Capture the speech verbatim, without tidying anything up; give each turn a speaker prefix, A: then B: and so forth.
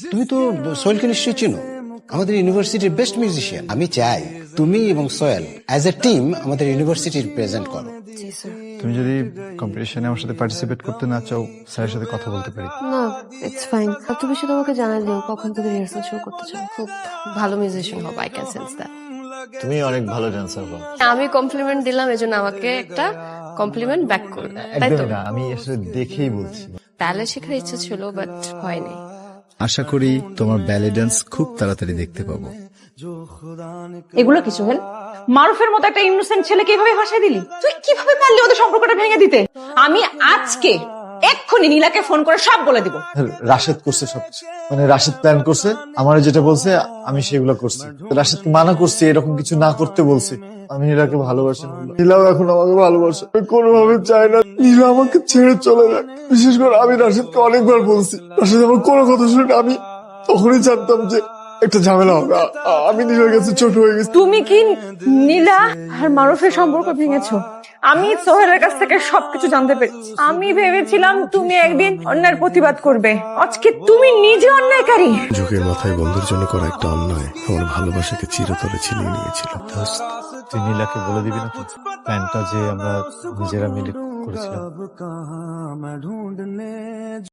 A: তুমি তো সোহেলকে নিশ্চয়ই চিনো, আমাদের ইউনিভার্সিটির বেস্ট মিউজিশিয়ান। আমি চাই তুমি এবং সোহেল অ্যাজ এ টিম আমাদের ইউনিভার্সিটি রিপ্রেজেন্ট করো।
B: তুমি যদি কম্পিটিশনে আমার সাথে পার্টিসিপেট করতে না চাও, স্যারের সাথে কথা বলতে পারি।
C: না, ইটস ফাইন। তুমি শুধু আমাকে জানাই দিও কখন থেকে রিহার্সাল শুরু করতে চাও। খুব ভালো মিউজিশিয়ান হবে, আই ক্যান সেন্স দ্যাট।
B: তুমি অনেক ভালো ডান্সার হও।
C: আমি কমপ্লিমেন্ট দিলাম, এজন্য আমাকে একটা কমপ্লিমেন্ট ব্যাক করবে, তাই তো?
B: একদমই না, আমি আসলে দেখেই বলছি।
C: ব্যালে শেখার ইচ্ছা ছিল, বাট হয়নি।
B: আশা করি তোমার ব্যালে ডান্স খুব তাড়াতাড়ি দেখতে পাবো।
D: এগুলো কি সোহেল? মারুফের মতো একটা ইনোসেন্ট ছেলেকে এইভাবে ভাসায় দিলি? তুই কিভাবে পারলি ওদের সম্পর্কটা ভেঙে দিতে? আমি আজকে এক্ষুনি নীলাকে ফোন করে সব বলে দিব।
B: রাশেদ করছে সবকিছু, মানে রাশেদ প্ল্যান করছে, আমার যেটা বলছে আমি সেগুলো করছি। রাশেদকে মানা করছি এরকম কিছু না করতে বলছি। আমি নীলাকে ভালোবাসি, নীলাও এখন আমাকে ভালোবাসে। আমি কোনোভাবে চাই না নীলা আমাকে ছেড়ে চলে যায়। বিশেষ করে আমি রাশেদকে অনেকবার বলছি, রাশেদ আমার কোনো কথা শুনে আমি তখনই জানতাম যে একটা ঝামেলা হবে। আ- আ- আমি নীলার কাছে ছোট হয়ে গেছি।
D: তুমি কি নীলা আর মারুফের সম্পর্ক ভেঙেছো? আমি সোহেলের কাছ থেকে সবকিছু জানতে পেরেছি। আমি ভেবেছিলাম তুমি একদিন অন্যায়ের প্রতিবাদ করবে, আজকে তুমি নিজে অন্যায়কারী।
E: যুগের মাথায় বন্ধুর জন্য করা একটা অন্যায় আমার ভালোবাসাকে চিরতরে ছিনিয়ে নিয়েছিল।
B: তুই নীলাকে বলে দিবি না তো প্ল্যানটা যে আমরা নিজেরা মিলে করেছিলাম?